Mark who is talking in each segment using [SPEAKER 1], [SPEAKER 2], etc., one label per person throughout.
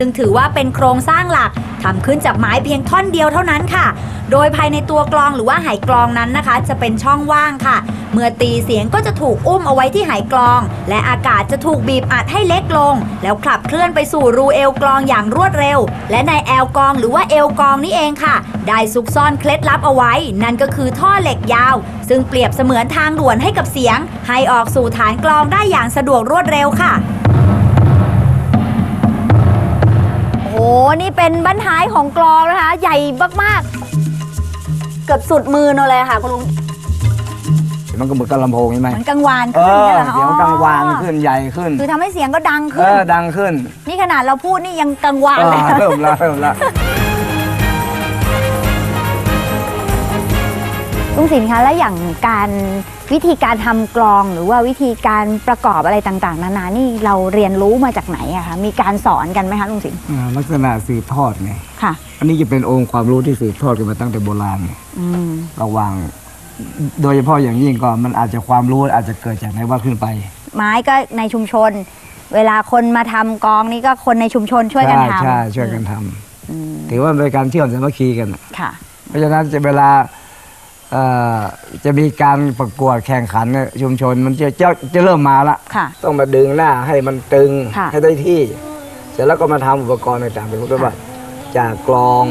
[SPEAKER 1] ซึ่งถือว่าเป็นโครงสร้างหลักทำขึ้นจากไม้เพียงท่อนเดียวเท่านั้นค่ะโดยภายในตัวกลองหรือว่าไหกลองนั้นนะคะจะเป็นช่องว่างค่ะเมื่อตีเสียงก็จะถูกอุ้มเอาไว้ที่ไหกลองและอากาศจะถูกบีบอัดให้เล็กลงแล้วขับเคลื่อนไปสู่รูเอวกลองอย่างรวดเร็วและในแอลกลองหรือว่าเอวกลองนี่เองค่ะได้ซุกซ่อนเคล็ดลับเอาไว้นั่นก็คือท่อเหล็กยาวซึ่งเปรียบเสมือนทางด่วนให้กับเสียงให้ออกสู่ฐานกลองได้อย่างสะดวกรวดเร็วค่ะโอ้นี่เป็นบั้นท้ายของกลองนะคะใหญ่มากๆเกือบสุดมือเราเลยค่ะคุณลุง
[SPEAKER 2] มันก็เหมือนกับลำโพงใช่ไหม
[SPEAKER 1] มันกังวานขึ้นเนี่ยเหรอคะ
[SPEAKER 2] เสียงกังวานขึ้นใหญ่ขึ้น
[SPEAKER 1] คือทำให้เสียงก็ดังขึ้น
[SPEAKER 2] ดังขึ้น
[SPEAKER 1] นี่ขนาดเราพูดนี่ยังกังวานเลย
[SPEAKER 2] เริ่มละ
[SPEAKER 1] ลุงศิลป์คะแล้วอย่างวิธีการทำกลองหรือว่าวิธีการประกอบอะไรต่างๆนานานี่เราเรียนรู้มาจากไหนอะคะมีการสอนกันไหมคะลุงศิลป์
[SPEAKER 2] ลักษณะสืบทอดไง
[SPEAKER 1] ค่ะ
[SPEAKER 2] อันนี้จะเป็นองค์ความรู้ที่สืบทอดกันมาตั้งแต่โบราณระวังโดยเฉพาะอย่างยิ่งก็มันอาจจะความรู้อาจจะเกิดจากในวัดขึ้นไป
[SPEAKER 1] ไม้ก็ในชุมชนเวลาคนมาทำกลองนี่ก็คนในชุมชนช่วยกันทำ
[SPEAKER 2] ใช่ช่วยกันทำถือว่าเป็นการเชื่อมสามัคคีกัน
[SPEAKER 1] ค่ะ
[SPEAKER 2] เพราะฉะนั้นเวลาจะมีการประกวดแข่งขันในชุมชนมันจะเริ่มมาละต้องมาดึงหน้าให้มันตึงให้ได้ที่เสร็จแล้วก็มาทำอุปกรณ์ต่างๆเป็นรูปแบบจากกลอง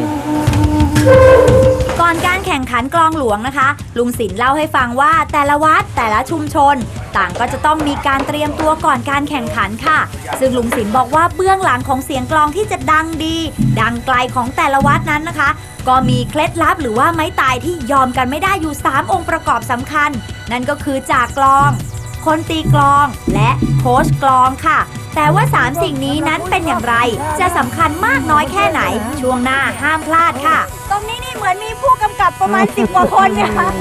[SPEAKER 1] ก่อนการแข่งขันกลองหลวงนะคะลุงศิลป์เล่าให้ฟังว่าแต่ละวัดแต่ละชุมชนต่างก็จะต้องมีการเตรียมตัวก่อนการแข่งขันค่ะซึ่งลุงศิลป์บอกว่าเบื้องหลังของเสียงกลองที่จะดังดีดังไกลของแต่ละวัดนั้นนะคะก็มีเคล็ดลับหรือว่าไม้ตายที่ยอมกันไม่ได้อยู่3องค์ประกอบสำคัญนั่นก็คือจากกลองคนตีกลองและโค้ชกลองค่ะแต่ว่า3สิ่งนี้นั้นเป็นอย่างไรจะสำคัญมากน้อยแค่ไหนช่วงหน้าห้ามพลาดค่ะตรงนี้นี่เหมือนมีผู้กำกับประมาณ10 กว่าคนเนี่ยค่ะ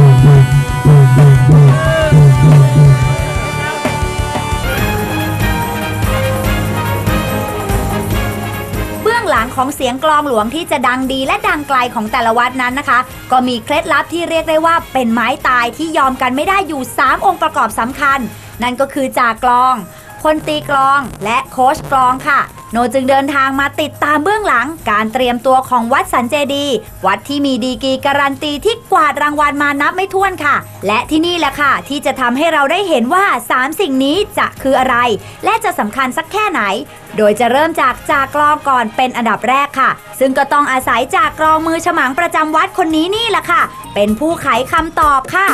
[SPEAKER 1] เบื้องหลังของเสียงกลองหลวงที่จะดังดีและดังไกลของแต่ละวัดนั้นนะคะก็มีเคล็ดลับที่เรียกได้ว่าเป็นไม้ตายที่ยอมกันไม่ได้อยู่3องค์ประกอบสำคัญนั่นก็คือจากกลองคนตีกลองและโค้ชกลองค่ะโนจึงเดินทางมาติดตามเบื้องหลังการเตรียมตัวของวัดสันเจดีย์วัดที่มีดีกรีการันตีที่กวาดรางวัลมานับไม่ถ้วนค่ะและที่นี่แหละค่ะที่จะทำให้เราได้เห็นว่า3สิ่งนี้จะคืออะไรและจะสำคัญสักแค่ไหนโดยจะเริ่มจากกลองก่อนเป็นอันดับแรกค่ะซึ่งก็ต้องอาศัยจากกลองมือฉมังประจำวัดคนนี้นี่แหละค่ะเป็นผู้ไขคำตอบค่ะ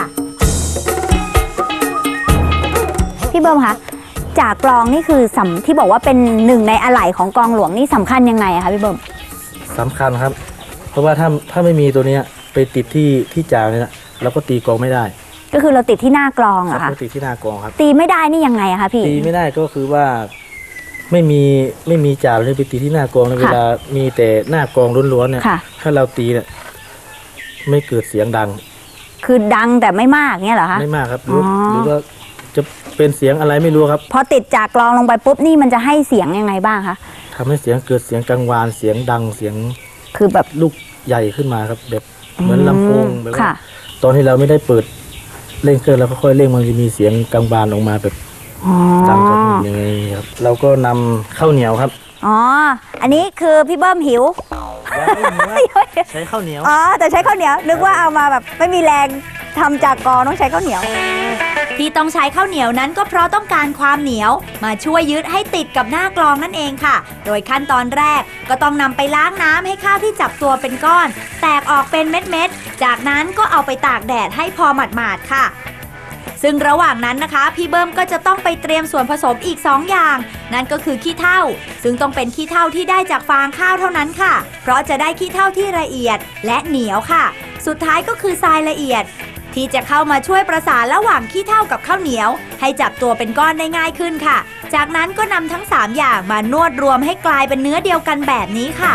[SPEAKER 1] พี่เบิ้มคะจากกลองนี่คือที่บอกว่าเป็นหนึ่งในอะไหล่ของกลองหลวงนี่สำคัญยังไงอะคะพี่เบิ้ม
[SPEAKER 3] สำคัญครับเพราะว่าถ้าไม่มีตัวนี้ไปติดที่จ่าเนี่ยนะเราก็ตีกลองไม่ได้
[SPEAKER 1] ก็คือเราติดที่หน้ากลองอะค่ะ
[SPEAKER 3] ติดที่หน้ากลองครับ
[SPEAKER 1] ตีไม่ได้นี่ยังไงอะคะพี่
[SPEAKER 3] ตีไม่ได้ก็คือว่าไม่มีจ่าเลยไปตีที่หน้ากลองเวลามีแต่หน้ากลองล้วนๆเนี่ยถ้าเราตีเนี่ยไม่เกิดเสียงดัง
[SPEAKER 1] คือดังแต่ไม่มากเนี่ยเหรอคะ
[SPEAKER 3] ไม่มากครับหรือว่าจะเป็นเสียงอะไรไม่รู้ครับ
[SPEAKER 1] พอติดจากกลองลงไปปุ๊บนี่มันจะให้เสียงยังไงบ้างคะ
[SPEAKER 3] ทำให้เสียงเกิดเสียงกังวานเสียงดังเสียง
[SPEAKER 1] คือแบบ
[SPEAKER 3] ลูกใหญ่ขึ้นมาครับแบบเหมือนลำโพงแบบว่าตอนที่เราไม่ได้เปิดเร่งเครื่องแล้วค่อยๆเร่งมันจะมีเสียงกังวานออกมาแบบดังกับอย่างไงครับเราก็นำข้าวเหนียวครับ
[SPEAKER 1] อ๋ออันนี้คือพี่เบิ้มหิว
[SPEAKER 3] ใช้ข้าวเหนียว
[SPEAKER 1] อ๋อแต่ใช้ข้าวเหนียวนึกว่าเอามาแบบไม่มีแรงทำจากกลองต้องใช้ข้าวเหนียวที่ต้องใช้ข้าวเหนียวนั้นก็เพราะต้องการความเหนียวมาช่วยยึดให้ติดกับหน้ากลองนั่นเองค่ะโดยขั้นตอนแรกก็ต้องนำไปล้างน้ำให้ข้าวที่จับตัวเป็นก้อนแตกออกเป็นเม็ดๆจากนั้นก็เอาไปตากแดดให้พอหมาดๆค่ะซึ่งระหว่างนั้นนะคะพี่เบิ้มก็จะต้องไปเตรียมส่วนผสมอีก2อย่างนั่นก็คือขี้เถ้าซึ่งต้องเป็นขี้เถ้าที่ได้จากฟางข้าวเท่านั้นค่ะเพราะจะได้ขี้เถ้าที่ละเอียดและเหนียวค่ะสุดท้ายก็คือทรายละเอียดที่จะเข้ามาช่วยประสานระหว่างขี้เถ้ากับข้าวเหนียวให้จับตัวเป็นก้อนได้ง่ายขึ้นค่ะจากนั้นก็นำทั้ง3อย่างมานวดรวมให้กลายเป็นเนื้อเดียวกันแบบนี้ค่ะ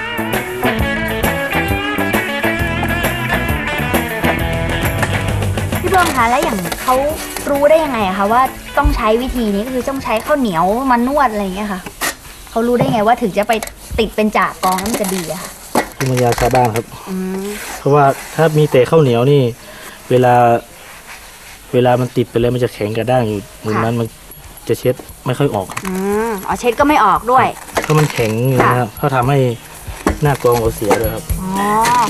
[SPEAKER 1] พี่เบิ้มคะแล้วอย่างเขารู้ได้ยังไงคะว่าต้องใช้วิธีนี้ก็คือต้องใช้ข้าวเหนียวมานวดอะไรอย่างเงี้ยค่ะเขารู้ได้ไงว่าถึงจะไปติดเป็นจากกลองแล้วมันจะดีอะค่ะ
[SPEAKER 3] ภูมิปัญญาชาวบ้านครับเพราะว่าถ้ามีแต่ข้าวเหนียวนี่เวลามันติดไปแล้วมันจะแข็งกระด้างอยู่เหมือนนั้นมันจะเช็ดไม่ค่อยออก
[SPEAKER 1] อ๋อเช็ดก็ไม่ออกด้วย
[SPEAKER 3] ราะมันแข็งอยู่นะครับเขาทำให้หน้ากลองเราเสียด้วยครับ
[SPEAKER 1] อ๋อ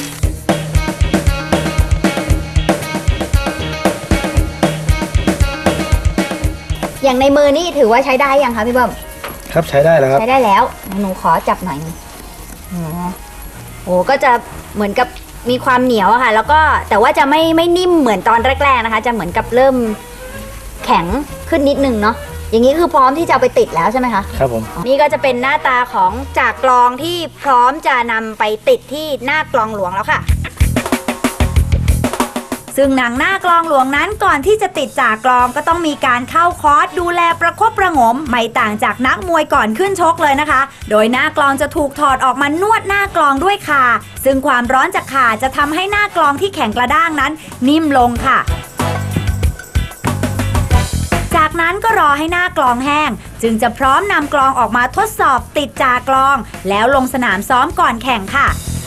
[SPEAKER 1] อย่างในมือนี่ถือว่าใช้ได้ยังคะพี่เบิ้ม
[SPEAKER 3] ครับใช้ได้แล้วครับ
[SPEAKER 1] ใช้ได้แล้ว หนูขอจับหน่อยนึงอ๋อโอ้ก็จะเหมือนกับมีความเหนียวอะค่ะ แล้วก็แต่ว่าจะไม่นิ่มเหมือนตอนแรกๆนะคะ จะเหมือนกับเริ่มแข็งขึ้นนิดนึงเนาะ อย่างนี้คือพร้อมที่จะเอาไปติดแล้วใช่ไหมคะ
[SPEAKER 3] ครับผม
[SPEAKER 1] นี่ก็จะเป็นหน้าตาของจากกลองที่พร้อมจะนำไปติดที่หน้ากลองหลวงแล้วค่ะ ซึ่งหนังหน้ากลองหลวงนั้นก่อนที่จะติดจากกลองก็ต้องมีการเข้าคอร์สดูแลประคบประหงมไม่ต่างจากนักมวยก่อนขึ้นชกเลยนะคะ โดยหน้ากลองจะถูกถอดออกมานวดหน้ากลองด้วยข่าซึ่งความร้อนจากข่าจะทำให้หน้ากลองที่แข็งกระด้างนั้นนิ่มลงค่ะ จากนั้นก็รอให้หน้ากลองแห้งจึงจะพร้อมนำกลองออกมาทดสอบติดจากกลองแล้วลงสนามซ้อมก่อนแข่งค่ะ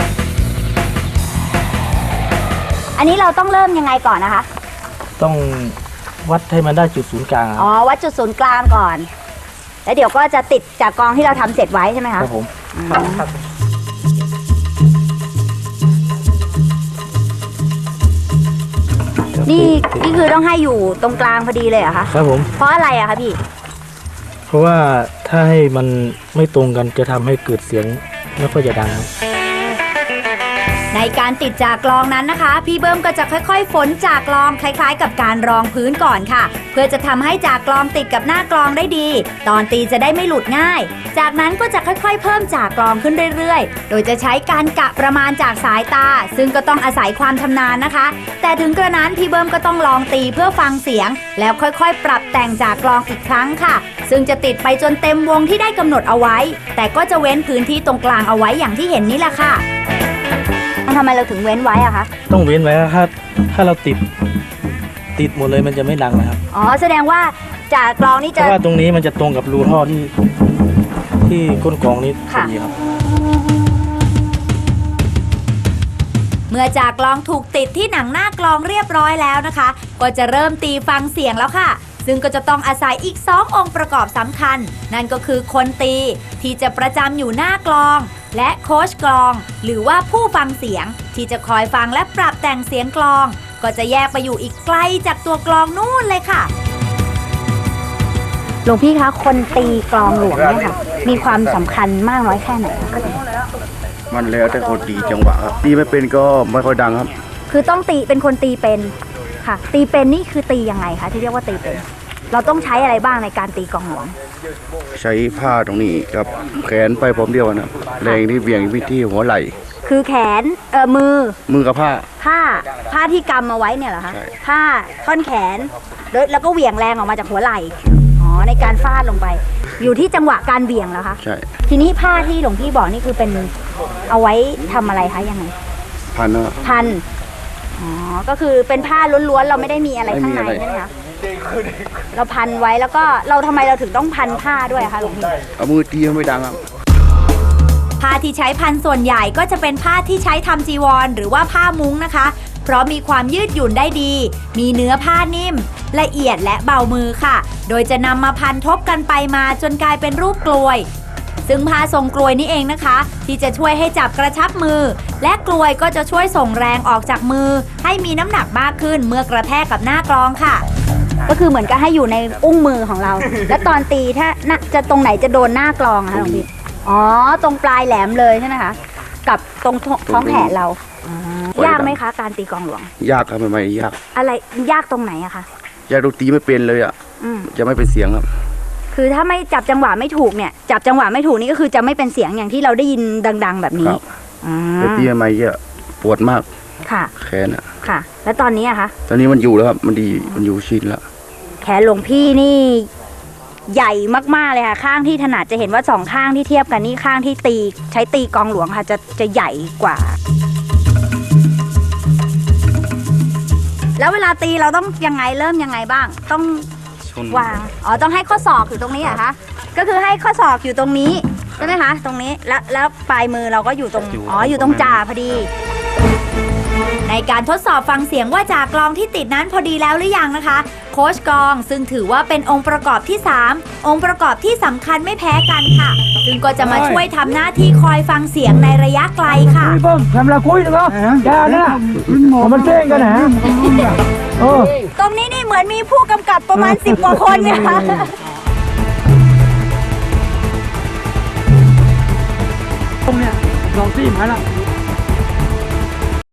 [SPEAKER 1] อันนี้เราต้องเริ่มยังไงก่อนนะคะ
[SPEAKER 3] ต้องวัดให้มันได้จุดศูนย์กลางครับ
[SPEAKER 1] อ๋อ วัดจุดศูนย์กลางก่อน แล้วเดี๋ยวก็จะติดจากกลองที่เราทำเสร็จไว้ใช่ไหมคะ
[SPEAKER 3] ครับผม
[SPEAKER 1] นี่คือต้องให้อยู่ตรงกลางพอดีเลยเหรอคะ
[SPEAKER 3] ครับผม
[SPEAKER 1] เพราะอะไรอะคะพี่
[SPEAKER 3] เพราะว่าถ้าให้มันไม่ตรงกันจะทำให้เกิดเสียงไม่ค่อยจะดังครับ
[SPEAKER 1] ในการติดจากกลองนั้นนะคะ พี่เบิ้มก็จะค่อยๆฝนจากกลองคล้ายๆ กับการรองพื้นก่อนค่ะ เพื่อจะทำให้จากกลองติดกับหน้ากลองได้ดี ตอนตีจะได้ไม่หลุดง่าย จากนั้นก็จะค่อยๆ เพิ่มจากกลองขึ้นเรื่อยๆ โดยจะใช้การกะประมาณจากสายตา ซึ่งก็ต้องอาศัยความชำนาญนะคะ แต่ถึงกระนั้นพี่เบิ้มก็ต้องลองตีเพื่อฟังเสียง แล้วค่อยๆ ปรับแต่งจากกลองอีกครั้งค่ะ ซึ่งจะติดไปจนเต็มวงที่ได้กำหนดเอาไว้ แต่ก็จะเว้นพื้นที่ตรงกลางเอาไว้อย่างที่เห็นนี่แหละค่ะทำไมเราถึงเว้นไว้อะคะ
[SPEAKER 3] ต้องเว้นไว้ครับถ้าเราติดหมดเลยมันจะไม่ดังนะครับ
[SPEAKER 1] อ๋อ แสดงว่าจากกลองนี่
[SPEAKER 3] เพ
[SPEAKER 1] จะ
[SPEAKER 3] ราะว่าตรงนี้มันจะตรงกับรูท่อที่ก้นกลองนี้พอดีครับ
[SPEAKER 1] เมื่อจากกลองถูกติดที่หนังหน้ากลองเรียบร้อยแล้วนะคะ ก็จะเริ่มตีฟังเสียงแล้วค่ะ ซึ่งก็จะต้องอาศัยอีก2องค์ประกอบสำคัญ นั่นก็คือคนตีที่จะประจำอยู่หน้ากลอง และโค้ชกลอง หรือว่าผู้ฟังเสียงที่จะคอยฟังและปรับแต่งเสียงกลอง ก็จะแยกไปอยู่อีกไกลจากตัวกลองนู่นเลยค่ะหลวงพี่คะคนตีกลองหลวงเนี่ยค่ะมีความสำคัญมากน้อยแค่ไหนคะ
[SPEAKER 4] มันแล้วแต่คนตีจังหวะครับตีไม่เป็นก็ไม่ค่อยดังครับ
[SPEAKER 1] คือต้องตีเป็นคนตีเป็นค่ะ ตีเป็นนี่คือตียังไงคะที่เรียกว่าตีเป็น เราต้องใช้อะไรบ้างในการตีกลองหลวง
[SPEAKER 4] ใช้ผ้าตรงนี้กับแขนไปพร้อมเดียวกันนะแรงที่เบี่ยงไปที่หัวไหล่
[SPEAKER 1] คือแขนมือ
[SPEAKER 4] กับผ้า
[SPEAKER 1] ผ้าที่กำมาไว้เนี่ยเหรอคะ
[SPEAKER 4] ใช่
[SPEAKER 1] ผ้าท่อนแขนแล้วก็เหวี่ยงแรงออกมาจากหัวไหล่อ๋อในการฟาดลงไป อยู่ที่จังหวะการเหวี่ยงเหรอคะ
[SPEAKER 4] ใช่
[SPEAKER 1] ทีนี้ผ้าที่หลวงพี่บอกนี่คือเป็นเอาไว้ทำอะไรคะยังไง
[SPEAKER 4] พันนะ
[SPEAKER 1] พันอ๋อก็คือเป็นผ้าล้วนๆเราไม่ได้มีอะไรข้างใน
[SPEAKER 4] ไม่มีอะไร
[SPEAKER 1] ใช่ไหมคะเราพันไว้แล้วก็ทำไมเราถึงต้องพันผ้าด้วยอะคะหลวงพี่
[SPEAKER 4] เอามือตีให้ไม่ดังครับ
[SPEAKER 1] ผ้าที่ใช้พันส่วนใหญ่ก็จะเป็นผ้าที่ใช้ทำจีวรหรือว่าผ้ามุ้งนะคะ เพราะมีความยืดหยุ่นได้ดี มีเนื้อผ้านิ่ม ละเอียดและเบามือค่ะ โดยจะนำมาพันทบกันไปมาจนกลายเป็นรูปกลวย ซึ่งผ้าทรงกลวยนี่เองนะคะ ที่จะช่วยให้จับกระชับมือ และกลวยก็จะช่วยส่งแรงออกจากมือ ให้มีน้ำหนักมากขึ้นเมื่อกระแทกกับหน้ากลองค่ะ ก็คือเหมือนกับให้อยู่ในอุ้งมือของเรา และตอนตีถ้าจะตรงไหนจะโดนหน้ากลองอะคะหลวงพี่อ๋อตรงปลายแหลมเลยใช่ไหมคะกับตรงท้องแขนเรายากไหมคะการตีกลองหลวง
[SPEAKER 4] ยากครับไม่ยาก
[SPEAKER 1] อะไรยากตรงไหนอะคะ
[SPEAKER 4] ยากตรงตีไม่เป็นเลยอ่ะ
[SPEAKER 1] อืม
[SPEAKER 4] จะไม่เป็นเสียงครับ
[SPEAKER 1] คือถ้าไม่จับจังหวะไม่ถูกเนี่ยจับจังหวะไม่ถูกนี่ก็คือจะไม่เป็นเสียงอย่างที่เราได้ยินดัง ๆ แบบนี้
[SPEAKER 4] ครับ
[SPEAKER 1] อืม
[SPEAKER 4] แต่ตีไม่เยอะปวดมาก
[SPEAKER 1] ค่ะ
[SPEAKER 4] แขนอ่ะ
[SPEAKER 1] ค่ะ แล้วตอนนี้อะคะ
[SPEAKER 4] ตอนนี้มันอยู่แล้วครับมันดีมันอยู่ชินแล้ว
[SPEAKER 1] แขนหลวงพี่นี่ใหญ่มากๆเลยค่ะ ข้างที่ถนัดจะเห็นว่า2ข้างที่เทียบกันนี่ข้างที่ใช้ตีกลองหลวงค่ะจะใหญ่กว่า แล้วเวลาตีเราต้องยังไงเริ่มยังไงบ้าง ต้องวางอ๋อต้องให้ข้อศอกอยู่ตรงนี้เหรอคะก็คือให้ข้อศอกอยู่ตรงนี้ใช่ไหมคะตรงนี้แล้วปลายมือเราก็อยู่ตรงอยู่ตรงจ่าพอดีในการทดสอบฟังเสียงว่าจากกลองที่ติดนั้นพอดีแล้วหรือยังนะคะ โค้ชกองซึ่งถือว่าเป็นองค์ประกอบที่ 3 องค์ประกอบที่สำคัญไม่แพ้กันค่ะ ซึ่งก็จะมาช่วยทำหน้าที่คอยฟังเสียงในระยะไกลค่ะ
[SPEAKER 2] ทำละคุยนะครับอย่านะมันเต้นกันนะ
[SPEAKER 1] ตรงนี้นี่เหมือนมีผู้กำกับประมาณ 10 กว่าคนเนี่ยค่ะ
[SPEAKER 2] ตรงเนี้ยลองซี่มาแล้ว